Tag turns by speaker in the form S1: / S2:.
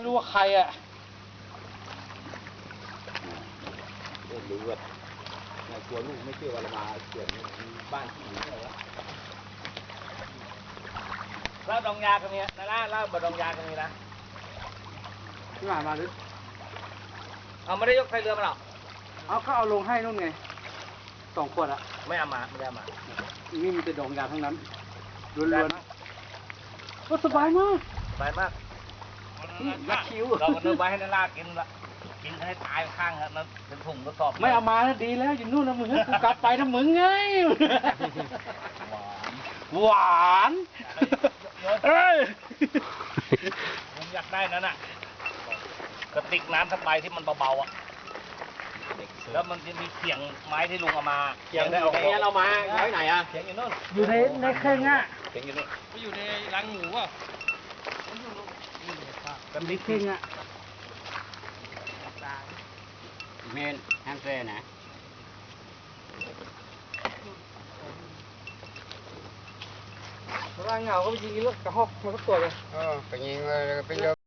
S1: ไม่รู้ว่าใครอ่ะ
S2: รู้ว่าในตัวลูกไม่เชื่อว่าเรามาเกิดบ้านที่ไหนวะ
S3: เล่าดองยากันเนี่ยนะเล่าบดองยากันนี่นะ
S1: ที่ผ่านมาหรือ
S3: เอาไม่ได้ยกไฟเรือมาหรอ
S1: เอาก็เอาลงให้นู่นไง2 ขวดอ่ะ
S3: ไม่เอามาไม่ได้เอามา
S1: นี่มีแต่ดองยาทั้งนั้นล้วนๆก็สบายมาก
S3: สบายมาก
S1: ยักคิ้ว
S3: เราก็นึกไว้ให้นารากินละกินให้ตายข้างครับนั้นเป็นถุงกระสอบ
S1: ไม่เอามาแล้วดีแล้วอยู่นู่นนะมึงกูกลับไปนะมึงไงหวานเอ้ย
S3: ผมอยากได้นั่นน่ะกระติกน้ำทั้งใบที่มันเบาๆอ่ะแล้วมันจะมีเขียงไม้ที่ลุงเอามา
S2: เขียงได้เอาเรามาไว้ไหนอ่ะ
S3: เขียงอยู่นู่น
S1: อยู่ในเครื่องอ่ะ
S3: เขียงอยู่นี่ก็อยู่ในรังหมูอ่ะ
S1: กับในเครื่องอ่ะ
S2: เมนแฮมเซ่นะ
S1: ร่างเหงาก็ไปยิงแล้วกระหอกมันก็ตัวเลย
S2: ไปยิงเลยไป